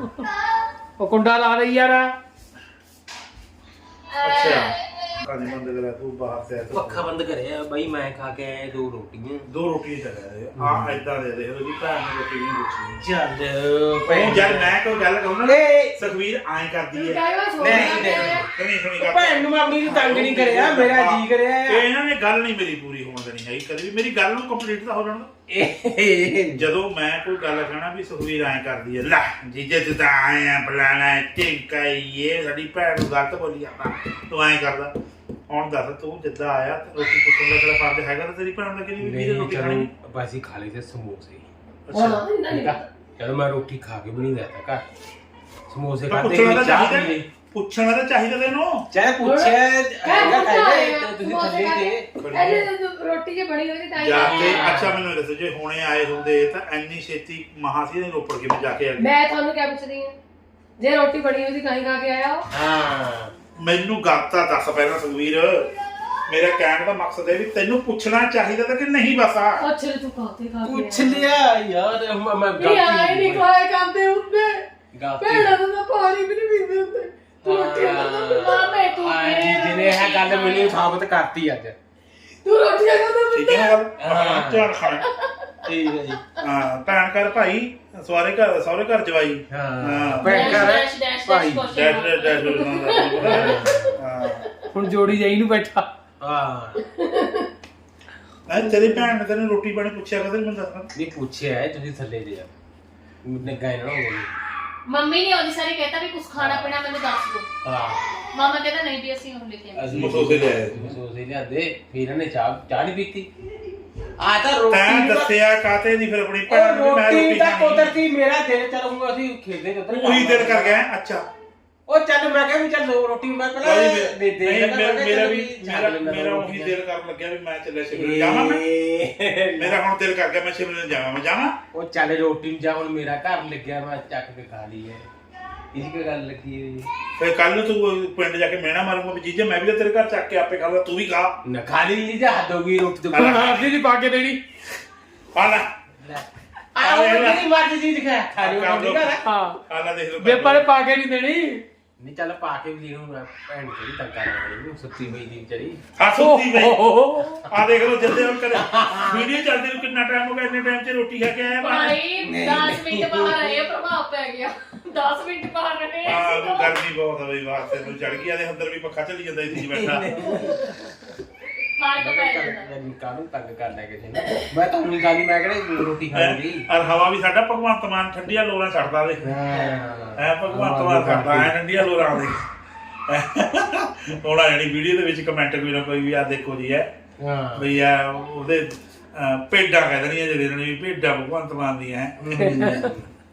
Speaker 1: ਉਹ ਕੁੰਡਾ ਲਾ ਲਈ ਯਾਰ।
Speaker 6: ਅੱਛਾ ਕਾਜੀ ਬੰਦ ਕਰਿਆ ਤੂੰ ਬਾਹਰ ਤੇ ਆਇਆ ਤੂੰ।
Speaker 4: ਪੱਖਾ ਬੰਦ ਕਰਿਆ ਬਾਈ, ਮੈਂ ਖਾ ਕੇ ਆਇਆ ਦੋ ਰੋਟੀਆਂ।
Speaker 6: ਦੋ ਰੋਟੀਆਂ ਚੱਲਿਆ ਆ ਏਦਾਂ ਦੇ ਦੇ ਉਹਦੀ ਭੈਣ ਨੇ ਰੋਟੀ ਨਹੀਂ ਪੁੱਛੀ
Speaker 4: ਚੱਲ
Speaker 6: ਭੈਣ ਜਦ ਮੈਂ ਕੋਈ ਗੱਲ ਕਹੂੰ ਨਾ
Speaker 4: ਏ
Speaker 6: ਸੁਖਵੀਰ ਐਂ ਕਰਦੀ ਹੈ
Speaker 4: ਨਹੀਂ ਨਹੀਂ
Speaker 6: ਸੁਣੀ ਸੁਣੀ ਗੱਲ
Speaker 4: ਭੈਣ ਨੂੰ ਮੈਂ ਆਪਣੀ ਨੂੰ ਤੰਗ ਨਹੀਂ ਕਰਿਆ, ਮੇਰਾ ਜੀ ਕਰਿਆ
Speaker 6: ਇਹ ਇਹਨਾਂ ਨੇ ਗੱਲ ਨਹੀਂ ਮੇਰੀ ਪੂਰੀ ਹੋਣ ਦੇਣੀ ਹੈਗੀ ਕਦੇ ਵੀ। ਮੇਰੀ ਗੱਲ ਨੂੰ ਕੰਪਲੀਟ ਤਾਂ ਹੋ ਜਾਣ ਦਿਓ।
Speaker 4: ਇਹ
Speaker 6: ਜਦੋਂ ਮੈਂ ਕੋਈ ਗੱਲ ਕਹਿਣਾ ਵੀ ਸੁਖਵੀਰ ਐਂ ਕਰਦੀ ਹੈ, ਲੈ ਜੀਜੇ ਤੂੰ ਤਾਂ ਆਏ ਆ ਬੁਲਾਣਾ ਟਿੰਕਾ ਇਹ ਸਾਡੀ ਭੈਣ ਨੂੰ ਗਲਤ ਬੋਲੀ ਜਾਂਦਾ, ਤੂੰ ਐਂ ਕਰਦਾ। ਹੁਣ ਦੱਸ ਤੂੰ ਜਿੱਦਾਂ ਆਇਆ ਤੇ ਰੋਟੀ ਪੁੱਛਣ ਦਾ ਤੇਰਾ ਫਰਜ਼ ਹੈਗਾ ਤਾਂ ਤੇਰੀ ਭੈਣ ਦਾ ਕਿਹਦੀ ਵੀ ਰੋਟੀ ਖਾਣੀ।
Speaker 4: ਆਪਾਂ ਅਸੀਂ ਖਾ ਲਏ ਤੇ ਸਮੋਸੇ।
Speaker 6: ਅੱਛਾ
Speaker 4: ਠੀਕ ਆ, ਚਲੋ ਮੈਂ ਰੋਟੀ ਖਾ ਕੇ ਵੀ ਨਹੀਂ ਜਾਂਦਾ ਘਰ, ਸਮੋਸੇ
Speaker 6: ਤਾਂ
Speaker 4: ਖਾਦੇ
Speaker 6: ਪੁੱਛਣਾ ਤਾਂ
Speaker 4: ਚਾਹ
Speaker 6: ਚਾਹੀਦਾ
Speaker 4: ਪੀ ਲਈ।
Speaker 6: ਪੁੱਛਣਾ ਤਾਂ ਚਾਹੀਦਾ ਤੈਨੂੰ।
Speaker 4: ਚਾਹੇ ਪੁੱਛਿਆ ਹੈਗਾ ਖਾਏ ਤੇ ਤੁਸੀਂ ਥੱਲੇ ਤੇ
Speaker 5: ਰੋਟੀ ਜੇ ਬਣੀ ਹੋਈ ਤਾਂ
Speaker 6: ਜਾ ਕੇ ਅੱਛਾ ਮੈਨੂੰ ਇਹ ਦੱਸੋ ਜੇ ਹੁਣੇ ਆਏ ਹੁੰਦੇ ਤਾਂ ਇੰਨੀ ਛੇਤੀ ਮਹਾਸੀ ਦੇ ਰੋਪੜ ਕਿਵੇਂ ਜਾ ਕੇ ਆ ਗਏ?
Speaker 5: ਮੈਂ ਤੁਹਾਨੂੰ ਕਿਆ ਪੁੱਛਦੀ ਹਾਂ, ਜੇ ਰੋਟੀ ਬਣੀ ਹੋਈ ਸੀ ਕਾਹੀਂ ਖਾ ਕੇ ਆਇਆ ਹੋ?
Speaker 4: ਹਾਂ
Speaker 6: ਮੈਨੂੰ ਗੱਲ ਤਾਂ ਦੱਸ ਪਹਿਲਾਂ ਸੁਖਵੀਰ। ਮੇਰਾ ਕਹਿਣ ਦਾ ਮਕਸਦ ਹੈ ਵੀ ਤੈਨੂੰ ਪੁੱਛਣਾ ਚਾਹੀਦਾ ਤਾਂ ਕਿ ਨਹੀਂ ਬਸ ਆ
Speaker 5: ਅੱਛਾ ਤੂੰ ਕਾਤੇ ਖਾ ਕੇ
Speaker 4: ਪੁੱਛ ਲਿਆ ਯਾਰ, ਮੈਂ ਮੈਂ
Speaker 5: ਨਹੀਂ ਆਏ ਨਹੀਂ ਖਾਏ ਕਰਦੇ ਹੁੰਦੇ
Speaker 4: ਗਲਤੀ
Speaker 5: ਭੈਣਾਂ ਨੂੰ ਤਾਂ ਪਾਣੀ ਵੀ ਨਹੀਂ ਪੀਂਦੇ ਹੁੰਦੇ। ਤੂੰ ਰੋਟੀਆਂ ਖਾਂਦਾ ਮਾਮੇ ਤੂੰ
Speaker 4: ਜਿਹਨੇ ਇਹ ਗੱਲ ਮੈਨੂੰ ਸਾਬਤ ਕਰਤੀ ਅੱਜ।
Speaker 5: ਤੂੰ ਰੋਟੀਆਂ ਖਾਂਦਾ
Speaker 6: ਠੀਕ ਹੈ ਨਾ ਗੱਲ?
Speaker 4: ਹਾਂ।
Speaker 6: ਹਾਂ ਧਿਆਨ ਖਾਣਾ।
Speaker 4: ਠੀਕ ਹੈ ਜੀ।
Speaker 6: ਹਾਂ ਭੈਣ ਘਰ ਭਾਈ ਸਹੁਰੇ ਘਰ ਸਹੁਰੇ ਘਰ ਜਵਾਈ।
Speaker 4: ਹਾਂ
Speaker 6: ਹਾਂ
Speaker 4: ਭੈਣ ਘਰ
Speaker 5: ਡੈਸ਼ ਡੈਸ਼
Speaker 4: ਭਾਈ।
Speaker 5: Dash
Speaker 6: dad
Speaker 5: question
Speaker 6: dad dad ਹਾਂ
Speaker 1: ਹੁਣ ਜੋੜੀ ਜਾਈ ਨੂੰ ਬੈਠਾ।
Speaker 4: ਹਾਂ
Speaker 6: ਮੈਂ ਤੇਰੀ ਭੈਣ ਨੇ ਤੈਨੂੰ ਰੋਟੀ ਪਾਣੀ ਪੁੱਛਿਆ ਕਦੇ ਮੈਨੂੰ ਦੱਸਣਾ।
Speaker 4: ਨਹੀਂ ਪੁੱਛਿਆ ਹੈ, ਤੁਸੀਂ ਥੱਲੇ ਦੇ ਆ ਮੈਨੂੰ ਗਾਇ ਨਾ ਹੋ ਗਈ।
Speaker 5: ਮੰਮੀ ਨੇ ਉਹਦੀ ਸਾਰੀ ਕਹਿਤਾ ਵੀ ਕੁਝ ਖਾਣਾ ਪੀਣਾ ਮੈਨੂੰ ਦੱਸ ਦਿਓ।
Speaker 4: ਹਾਂ
Speaker 5: ਮਾਮਾ ਕਹਿੰਦਾ ਨਹੀਂ ਵੀ ਅਸੀਂ ਹੁਣ ਲੈ ਕੇ ਆਏ।
Speaker 4: ਅਸੀਂ
Speaker 6: ਮਸੋਸੇ ਲਿਆਏ।
Speaker 4: ਮਸੋਸੇ ਲਿਆਂਦੇ, ਫਿਰ ਇਹਨੇ ਚਾਹ ਚਾਹ ਨਹੀਂ ਪੀਤੀ। ਆ ਤਾਂ
Speaker 6: ਤੈਂ
Speaker 4: ਰੋਟੀ
Speaker 6: ਦੱਸਿਆ ਕਾਤੇ ਦੀ ਫਿਰ ਆਪਣੀ ਭੈਣ ਨੂੰ ਵੀ ਮੈਂ
Speaker 4: ਰੋਟੀ
Speaker 6: ਰੋਟੀ
Speaker 4: ਤਾਂ
Speaker 6: ਖਾਣੀ।
Speaker 4: ਕੁਦਰਤੀ ਮੇਰਾ ਦਿਲ ਚੱਲ ਹੁਣ ਅਸੀਂ ਖੇਡਦੇ ਉੱਧਰ
Speaker 6: ਉਹੀ ਦਿਲ ਕਰ ਗਿਆ ਅੱਛਾ।
Speaker 4: ਉਹ ਚੱਲ ਮੈਂ ਕਿਹਾ ਵੀ ਚੱਲ ਦੋ ਰੋਟੀ ਮੈਂ ਪਹਿਲਾਂ
Speaker 6: ਭਾਈ
Speaker 4: ਦੇ
Speaker 6: ਮੇ-
Speaker 4: ਦੇ
Speaker 6: ਨਹੀਂ,
Speaker 4: ਦੇਣਾ,
Speaker 6: ਮੇਰਾ
Speaker 4: ਮੈਂ ਕਿਹਾ
Speaker 6: ਮੇਰਾ
Speaker 4: ਚੱਲ
Speaker 6: ਵੀ
Speaker 4: ਛੱਡ
Speaker 6: ਮੇਰਾ
Speaker 4: ਲੈਂਦਾ
Speaker 6: ਮੇਰਾ
Speaker 4: ਰੋਟੀ
Speaker 6: ਉਹੀ
Speaker 4: ਦਾ।
Speaker 6: ਦਿਲ ਕਰਨ ਲੱਗਿਆ ਵੀ ਮੈਂ ਚੱਲਿਆ ਸ਼ਿਮਲੇ ਜਾਵਾਂ ਮੈਂ।
Speaker 4: ਏ,
Speaker 6: ਮੇਰਾ ਹੁਣ ਦਿਲ ਕਰ ਗਿਆ ਮੈਂ ਸ਼ਿਮਲੇ ਜਾਵਾਂ ਮੈਂ ਜਾਵਾਂ।
Speaker 4: ਉਹ ਚੱਲ ਰੋਟੀ ਨੂੰ ਜਾ, ਹੁਣ ਮੇਰਾ ਘਰ ਲੱਗਿਆ ਮੈਂ ਚੱਕ ਕੇ ਖਾ ਲਈ ਹੈ। ਇਸ ਕੀ ਗੱਲ ਲੱਗੀ ਹੋਈ
Speaker 6: ਫਿਰ ਕੱਲ ਨੂੰ ਤੂੰ ਪਿੰਡ ਜਾ ਕੇ ਮਿਹਣਾ ਮਾਰੂਗਾ ਵੀ ਜੀਜੇ ਮੈਂ ਵੀ ਤਾਂ ਤੇਰੇ ਘਰ ਚੱਕ ਕੇ ਆਪੇ ਖਾਊਗਾ ਤੂੰ ਵੀ ਖਾ।
Speaker 4: ਨਾ ਖਾ ਲਈ ਨਹੀਂ ਜਾ ਹੱਦ ਹੋ ਗਈ ਰੋਟੀ ਤੋਂ।
Speaker 1: ਹੁਣ ਆਪਣੀ ਨਹੀਂ ਪਾ ਕੇ ਦੇਣੀ।
Speaker 6: ਆ ਲੈ
Speaker 4: ਆ ਉਹ ਜਿਹੜੀ ਮਰਜ਼ੀ ਚੀਜ਼ ਖਾ ਖਾ ਲਈ ਉਹ ਨਹੀਂ ਕਰ।
Speaker 1: ਹਾਂ
Speaker 6: ਆ ਲੈ ਦੇਖ ਲਓ
Speaker 1: ਵੇ ਪਰ ਪਾ ਕੇ ਨਹੀਂ ਦੇਣੀ।
Speaker 4: ਨਹੀਂ ਚੱਲ ਪਾ ਕੇ ਵੀ ਇਹਨੂੰ ਮੈਂ ਭੈਣ ਜਿਹੜੀ ਤੰਗਾ ਨਾ ਸੁੱਤੀ ਪਈ ਦੀ ਵਿਚਾਰੀ।
Speaker 6: ਆ ਸੁੱਤੀ ਪਈ
Speaker 1: ਓਹੋ।
Speaker 6: ਆ ਦੇਖ ਲਓ ਜਿੱਦੇ ਹੁਣ ਕਰੇ ਵੀਡੀਓ ਚੱਲਦੀ ਨੂੰ ਕਿੰਨਾ ਟਾਈਮ ਹੋ ਗਿਆ ਇੰਨੇ ਟਾਈਮ 'ਚ ਰੋਟੀ ਖਾ ਕੇ ਆਇਆ ਬਾਹਰ।
Speaker 5: ਭਾਈ ਦਸ ਮਿੰਟ ਬਾਹਰ ਰਹੇ ਪ੍ਰਭਾਵ ਪੈ ਗਿਆ। ਦਸ ਮਿੰਟ ਬਾਹਰ ਰਹੇ
Speaker 6: ਆ ਗਰਮੀ ਬਹੁਤ ਹੈ ਬਈ ਵਾਸਤੇ ਨੂੰ ਚੜ ਗਈ ਆਦੇ ਅੰਦਰ ਵੀ ਪੱਖਾ ਚੱਲੀ ਜਾਂਦਾ ਇੱਥੇ ਬੈਠਾ।
Speaker 5: ਫਰਕ ਪੈ ਜਾਂਦਾ।
Speaker 4: ਕਾਹਨੂੰ ਤੰਗ ਕਰ ਲੈ ਕਿਸੇ ਨੇ, ਮੈਂ ਤਾਂ ਨਹੀਂ ਖਾਣੀ, ਮੈਂ ਕਿਹੜੇ ਰੋਟੀ ਖਾਣੀ।
Speaker 6: ਔਰ ਹਵਾ ਵੀ ਸਾਡਾ ਭਗਵੰਤ ਮਾਨ ਠੰਡੀਆਂ ਲੋਰਾਂ ਛੱਡਦਾ ਦੇ ਐ ਭਗਵੰਤ ਮਾਨ ਛੱਡਦਾ ਐ ਠੰਡੀਆਂ ਲੋਰਾਂ ਦੇ। ਹੁਣ ਆ ਜਿਹੜੀ ਵੀਡੀਓ ਦੇ ਵਿੱਚ ਕਮੈਂਟ ਕੋਈ ਨਾ ਕੋਈ ਵੀ ਆ ਦੇਖੋ ਜੀ ਐ
Speaker 4: ਹਾਂ
Speaker 6: ਬਈ ਆ ਉਹਦੇ ਅਹ, ਭੇਡਾਂ ਕਹਿ ਦੇਣੀਆਂ ਜਿਹੜੇ ਨੇ ਵੀ ਭੇਡਾਂ ਭਗਵੰਤ ਮਾਨ ਦੀਆਂ ਹੈ।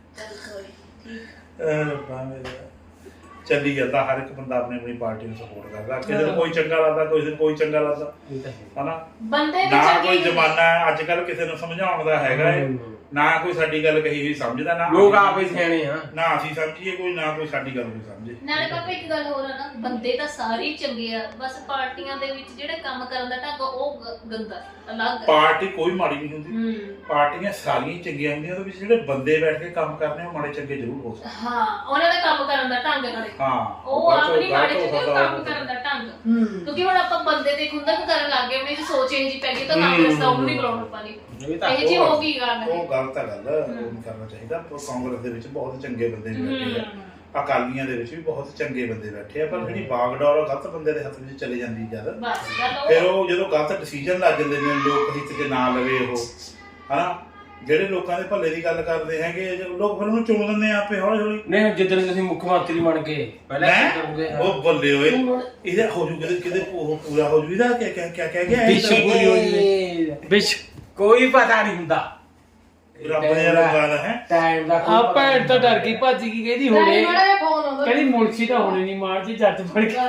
Speaker 6: ਰੱਬਾ ਮੇਰਾ ਚੱਲੀ ਜਾਂਦਾ ਹਰ ਇੱਕ ਬੰਦਾ ਆਪਣੀ ਆਪਣੀ ਪਾਰਟੀ ਨੂੰ ਸਪੋਰਟ ਕਰਦਾ। ਕਿਸੇ ਨੂੰ ਕੋਈ ਚੰਗਾ ਲੱਗਦਾ ਕਿਸੇ ਨੂੰ ਕੋਈ ਚੰਗਾ ਲੱਗਦਾ
Speaker 4: ਇਹ ਤਾਂ ਹੈ।
Speaker 6: ਹਨਾ।
Speaker 5: ਬੰਦੇ ਦੀ
Speaker 6: ਨਾ
Speaker 5: ਚੰਗੀ
Speaker 6: ਕੋਈ ਜ਼ਮਾਨਾ ਹੈ ਅੱਜ ਕੱਲ ਕਿਸੇ ਨੂੰ ਸਮਝਾਉਣ ਦਾ ਹੈਗਾ ਏ, ਨਾ ਕੋਈ ਸਾਡੀ ਗੱਲ ਕਹੀ ਹੋਈ ਸਮਝਦਾ ਨਾ
Speaker 4: ਲੋਕ ਆਪੇ ਸਿਆਣੇ ਆ।
Speaker 6: ਨਾ ਅਸੀਂ ਸਮਝੀਏ ਕੋਈ ਨਾ ਕੋਈ ਸਾਡੀ ਗੱਲ ਕੋਈ ਸਮਝੇ।
Speaker 5: ਨਾਲੇ ਪਾਪਾ ਇੱਕ ਗੱਲ ਹੋਰ ਆ ਨਾ, ਬੰਦੇ ਤਾਂ ਸਾਰੇ ਹੀ ਚੰਗੇ ਆ, ਬਸ ਪਾਰਟੀਆਂ ਦੇ ਵਿੱਚ ਜਿਹੜੇ ਕੰਮ ਕਰਨ ਦਾ ਢੰਗ ਉਹ ਗ- ਗੰਦਾ ਅਲੱਗ ਆ।
Speaker 6: ਪਾਰਟੀ ਕੋਈ ਮਾੜੀ ਨਹੀਂ ਹੁੰਦੀ,
Speaker 5: ਹੂੰ
Speaker 6: ਪਾਰਟੀਆਂ ਸਾਰੀਆਂ ਹੀ ਚੰਗੀਆਂ ਹੁੰਦੀਆਂ। ਉਹਦੇ ਵਿੱਚ ਜਿਹੜੇ ਬੰਦੇ ਬੈਠ ਕੇ ਕੰਮ ਕਰਨੇ ਉਹ ਮਾੜੇ ਚੰਗੇ ਜ਼ਰੂਰ ਹੋ ਸਕਦੇ।
Speaker 5: ਹਾਂ ਉਹਨਾਂ ਦਾ ਕੰਮ ਕਰਨ ਦਾ ਢੰਗ ਨਾਲੇ
Speaker 6: ਹਾਂ
Speaker 5: ਉਹ
Speaker 6: ਗਲਤ-
Speaker 5: ਆਪਣੀ ਮਾੜੇ
Speaker 6: ਗਲਤ ਹੋ
Speaker 5: ਚੰਗੇ
Speaker 6: ਸਕਦਾ
Speaker 5: ਕੰਮ
Speaker 6: ਉਹ।
Speaker 5: ਕਰਨ ਦਾ ਢੰਗ। ਕਿਉਂਕਿ ਹੁਣ ਆਪਾਂ ਬੰਦੇ ਤੇ ਖੁੰਦਕ ਕਰਨ ਲੱਗ ਗਏ, ਆਪਣੀ ਸੋਚ ਇਹ ਜੀ ਪੈ ਗਈ ਤਾਂ
Speaker 6: ਹੂੰ।
Speaker 5: ਕਾਂਗਰਸ ਦਾ ਉਹ ਨਹੀਂ ਬੁਲਾਉਣਾ ਪਾਣੀ
Speaker 4: ਇਹ ਤਾਂ
Speaker 5: ਇਹ ਜੀ ਹੋ ਗਈ ਗੱਲ
Speaker 6: ਉਹ
Speaker 5: ਹੈ।
Speaker 6: ਗਲਤ ਹੈ ਗੱਲ, ਉਹ ਨਹੀਂ ਕਰਨਾ ਚਾਹੀਦਾ। ਪਰ ਕਾਂਗਰਸ ਦੇ ਵਿੱਚ ਬਹੁਤ ਚੰਗੇ ਬੰਦੇ ਵੀ ਬੈਠੇ ਆ, ਅਕਾਲੀਆਂ ਦੇ ਵਿੱਚ ਵੀ ਬਹੁਤ ਚੰਗੇ ਬੰਦੇ ਬੈਠੇ ਆ, ਪਰ ਜਿਹੜੀ ਬਾਗਡੋਰ ਉਹ ਗਲਤ ਬੰਦੇ ਦੇ ਹੱਥ ਵਿੱਚ ਚਲੇ ਜਾਂਦੀ ਜਦ
Speaker 5: ਬਸ ਗੱਲ
Speaker 6: ਫਿਰ
Speaker 5: ਉਹ
Speaker 6: ਉਹ ਜਦੋਂ ਗਲਤ ਡਿਸੀਜਨ ਲੱਗ ਜਾਂਦੇ ਨੇ ਲੋਕ ਹਿੱਤ 'ਚ ਨਾ ਲਵੇ ਉਹ ਹਨਾ। ਜਿਹੜੇ ਲੋਕਾਂ ਦੇ ਭਲੇ ਦੀ ਗੱਲ ਕਰਦੇ ਹੈਗੇ ਜੋ ਲੋਕ ਫਿਰ ਉਹਨੂੰ ਚੁਣ ਦਿੰਦੇ ਆ ਆਪੇ ਹੌਲੀ ਹੌਲੀ।
Speaker 4: ਨਹੀਂ ਜਿੱਦਣ ਤੁਸੀਂ ਮੁੱਖ ਮੰਤਰੀ ਬਣ ਗਏ ਪਹਿਲਾਂ ਕੀ ਕਰੋਗੇ?
Speaker 6: ਹੈਂ? ਉਹ ਬੱਲੇ ਹੋਏ ਇਹਦਾ ਹੋ ਜੂ ਕਿਤੇ ਕਿਤੇ ਉਹ ਪੂਰਾ ਹੋ ਜੂ ਇਹਦਾ ਕਿਆ ਕਿਆ ਕਿਆ ਕਹਿ ਗਿਆ
Speaker 1: ਵਿਸ਼
Speaker 6: ਇਹ
Speaker 1: ਪੂਰੀ ਹੋ ਜਵੇ ਵਿਸ਼।
Speaker 4: ਕੋਈ ਪਤਾ ਨਹੀਂ ਹੁੰਦਾ
Speaker 6: ਰੱਬ ਨੇ ਲਗਾਦਾ ਹੈ।
Speaker 4: ਟਾਈਮ ਦਾ ਕੋਈ
Speaker 1: ਆ
Speaker 4: ਪਤਾ
Speaker 1: ਭੈਣ ਤਾਂ
Speaker 4: ਨਹੀਂ
Speaker 1: ਡਰ ਗਈ ਭੱਜ ਗਈ, ਕਹਿੰਦੀ
Speaker 5: ਨਹੀਂ
Speaker 1: ਹੁਣੇ
Speaker 5: ਮਾੜਾ ਜਿਹਾ ਫੋਨ ਆਉਂਦਾ
Speaker 1: ਕਹਿੰਦੀ ਮੁਲਸੀ ਤਾਂ ਹੋਣੀ ਨਹੀਂ ਮਾਰ ਜੀ ਜੱਟ ਫੜ ਕੇ।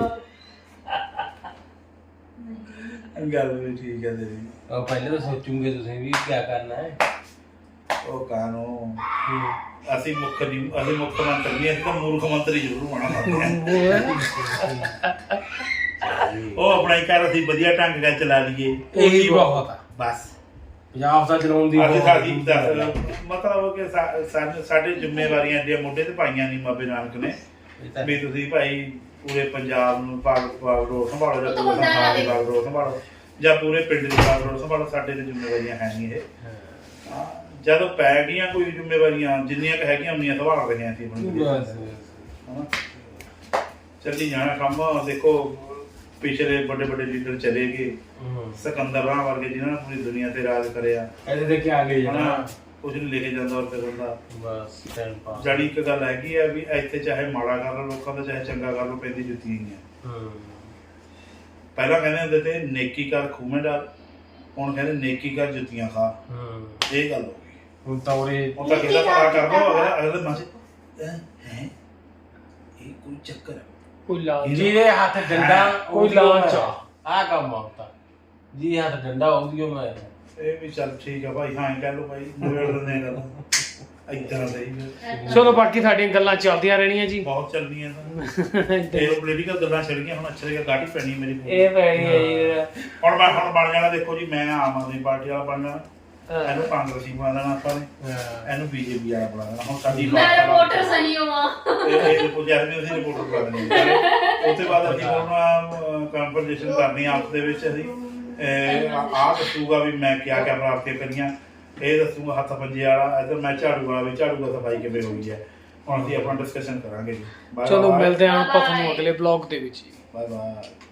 Speaker 6: ਗੱਲ ਵੀ ਠੀਕ ਹੈ ਤੇਰੀ।
Speaker 4: ਉਹ ਪਹਿਲੇ ਤਾਂ ਸੋਚੂਗੇ ਤੁਸੀਂ ਵੀ ਕੀ ਕਰਨਾ ਹੈ।
Speaker 6: ਉਹ ਕਾਨੂੰ ਅਸੀਂ ਮੁੱਖ ਨਹੀਂ ਅਸੀਂ ਮੁੱਖ ਮੰਤਰੀ ਨਹੀਂ, ਅਸੀਂ ਤਾਂ ਮੂਰਖ ਮੰਤਰੀ ਜ਼ਰੂਰ ਹੋਣਾ ਚਾਹੁੰਦੇ ਹਾਂ। ਉਹ ਆਪਣਾ ਹੀ ਘਰ ਅਸੀਂ ਵਧੀਆ ਢੰਗ ਨਾਲ ਚਲਾ ਲਈਏ
Speaker 4: ਉਹੀ ਬਹੁਤ ਆ।
Speaker 6: ਬਸ
Speaker 4: ਪੰਜਾਬ ਦਾ ਚਲਾਉਣ ਦੀ
Speaker 6: ਅਸੀਂ
Speaker 4: ਬਹੁਤ
Speaker 6: ਸਾਡੀ ਦੱਸ ਮਤਲਬ ਕਿ ਸਾ- ਸਾਨੂੰ ਸਾਡੇ ਜ਼ਿੰਮੇਵਾਰੀਆਂ ਦੀਆਂ ਮੋਢੇ ਤੇ ਪਾਈਆਂ ਨਹੀਂ ਬਾਬੇ ਨਾਨਕ ਨੇ
Speaker 4: ਇਹ ਤਾਂ
Speaker 6: ਵੀ ਤੁਸੀਂ ਭਾਈ ਪੂਰੇ ਪੰਜਾਬ ਨੂੰ ਬਾਗ ਬਾਗ ਰੋਡ ਸੰਭਾਲੋ ਜਾਂ
Speaker 5: ਉਹ ਤਾਂ
Speaker 6: ਪੂਰੇ
Speaker 5: ਹੁੰਦਾ
Speaker 6: ਸੰਸਾਰ ਦੀ
Speaker 5: ਨਾਲੇ।
Speaker 6: ਬਾਗ ਰੋਡ ਸੰਭਾਲੋ ਜਾਂ ਪੂਰੇ ਪਿੰਡ ਦੀ ਬਾਗ ਰੋਡ ਸੰਭਾਲੋ। ਸਾਡੇ ਤੇ ਜ਼ਿੰਮੇਵਾਰੀਆਂ ਹੈ ਨਹੀਂ ਇਹ ਹਾਂ, ਜਦੋਂ ਪੈ ਗਈਆਂ ਕੋਈ ਜ਼ਿੰਮੇਵਾਰੀਆਂ ਜਿੰਨੀਆਂ ਕੁ ਹੈਗੀਆਂ ਉਨੀਆਂ ਸੰਭਾਲ ਰਹੇ ਹਾਂ ਅਸੀਂ ਆਪਣੀ
Speaker 4: ਬਸ
Speaker 6: ਹਨਾ। ਚੱਲੀ ਜਾਣਾ ਕੰਮ। ਦੇਖੋ ਪਿਛਲੇ ਵੱਡੇ ਵੱਡੇ ਲੀਡਰ ਚਲੇ ਗਏ,
Speaker 4: ਹੂੰ
Speaker 6: ਸਿਕੰਦਰ ਰਾਹ ਵਰਗੇ ਜਿਨ੍ਹਾਂ ਨੇ ਪੂਰੀ ਦੁਨੀਆ ਤੇ ਰਾਜ ਕਰਿਆ
Speaker 4: ਇਹਦੇ ਦੇ ਕੀ ਆ ਗਏ
Speaker 6: ਹਨਾ,
Speaker 4: ਜਣਾ
Speaker 6: ਕੁਝ ਨਹੀਂ ਲਿਖੇ ਜਾਂਦਾ ਔਰ ਕਰਨ ਦਾ।
Speaker 4: ਬਸ ਟਾਈਮ ਪਾਸ
Speaker 6: ਜੜੀ ਇੱਕ ਗੱਲ ਹੈਗੀ ਆ ਵੀ ਇੱਥੇ ਚਾਹੇ ਮਾੜਾ ਕਰ ਲਓ ਲੋਕਾਂ ਦਾ, ਚਾਹੇ ਚੰਗਾ ਕਰ ਲਓ, ਪੈਂਦੀ ਜੁੱਤੀਆਂ ਹੀ ਆ।
Speaker 4: ਹੂੰ
Speaker 6: ਪਹਿਲਾਂ ਕਹਿੰਦੇ ਹੁੰਦੇ ਤੇ ਨੇਕੀ ਕਰ ਖੂਮੇ ਡਾਲ, ਹੁਣ ਕਹਿੰਦੇ ਨੇਕੀ ਕਰ ਜੁੱਤੀਆਂ ਖਾ।
Speaker 4: ਹੂੰ
Speaker 6: ਇਹ ਗੱਲ ਹੋ ਗਈ।
Speaker 4: ਹੁਣ ਤਾਂ ਉਰੇ
Speaker 6: ਹੁਣ ਤਾਂ ਕਿਹਦਾ ਭਲਾ ਕਰ ਲਓ, ਅਗਲੇ ਅਗਲੇ ਮਨ ਚ ਹੈ ਇਹ ਕੋਈ ਚੱਕਰ ਹੈ।
Speaker 1: ਕੋਈ ਲਾਂਚ
Speaker 4: ਜਿਹਦੇ ਹੱਥ ਡੰਡਾ
Speaker 1: ਕੋਈ ਲਾਂਚ ਆ।
Speaker 4: ਆ ਕੰਮ ਆਉਂਦਾ ਜੀ ਹੱਥ ਡੰਡਾ ਉਹਦੀਓ ਮੈਂ
Speaker 6: ਇਹ ਵੀ ਚੱਲ ਠੀਕ ਆ ਭਾਈ, ਹਾਂ ਕਹਿ ਲਓ ਭਾਈ ਨਿਬੇੜ ਦਿੰਦੇ ਆ ਗੱਲ ਇਦਾਂ ਸਹੀ ਹੈ।
Speaker 1: ਚਲੋ ਬਾਕੀ ਸਾਡੀਆਂ ਗੱਲਾਂ ਚੱਲਦੀਆਂ ਰਹਿਣੀਆਂ ਜੀ।
Speaker 6: ਬਹੁਤ ਚੱਲਦੀਆਂ ਤਾਂ ਇਹ ਪੋਲੀਟੀਕਲ ਗੱਲਾਂ ਛਿੜ ਗਈਆਂ, ਹੁਣ ਅੱਛੇ ਜਗ੍ਹਾ ਗਾਟੀ ਪੈਣੀ ਮੇਰੀ।
Speaker 1: ਇਹ ਪੈਣੀ ਹੈ ਜੀ।
Speaker 6: ਹੁਣ ਮੈਂ ਹੁਣ ਬਣ ਜਾਣਾ, ਦੇਖੋ ਜੀ ਮੈਂ ਆਮ ਆਦਮੀ ਪਾਰਟੀ ਵਾਲਾ ਬਣ ਜਾਣਾ, ਇਹਨੂੰ ਕਾਂਗਰਸੀ ਬਣਾ ਦੇਣਾ ਆਪਾਂ ਨੇ, ਇਹਨੂੰ ਬੀਜੇਪੀ ਵਾਲਾ ਬਣਾ ਦੇਣਾ। ਹੁਣ ਸਾਡੀ
Speaker 5: ਮੈਂ ਰਿਪੋਰਟਰ ਸਹੀ ਹਾਂ।
Speaker 6: ਇਹ ਇਹ ਰਿਪੋਰਟ ਜਦ ਅਸੀਂ ਰਿਪੋਰਟ ਕਰ ਦੇਣੀ ਹੈ। ਉਸ ਤੋਂ ਬਾਅਦ ਅਸੀਂ ਉਹਨਾਂ ਕੰਪਨਸੇਸ਼ਨ ਕਰਨੀ ਆਪਸ ਦੇ ਵਿੱਚ। ਅਸੀਂ ਆਹ ਦੱਸੂਗਾ ਵੀ ਮੈਂ ਕਿਆ ਕਿਆ ਪ੍ਰਾਪਤੀਆਂ ਕਰੀਆਂ, ਇਹ ਦੱਸੂਗਾ ਹੱਥ ਪੰਜੇ ਵਾਲਾ, ਇੱਧਰ ਮੈਂ ਝਾੜੂ ਵਾਲਾ ਵੀ ਝਾੜੂ ਦਾ ਸਫਾਈ ਕਿਵੇਂ ਹੋਈ ਹੈ। ਹੁਣ ਅਸੀਂ ਆਪਣਾ ਡਿਸਕਸ਼ਨ ਕਰਾਂਗੇ ਜੀ।
Speaker 1: ਚਲੋ ਮਿਲਦੇ ਹਾਂ ਆਪਾਂ ਤੁਹਾਨੂੰ ਅਗਲੇ ਬਲੌਗ ਦੇ ਵਿੱਚ।
Speaker 6: Bye bye.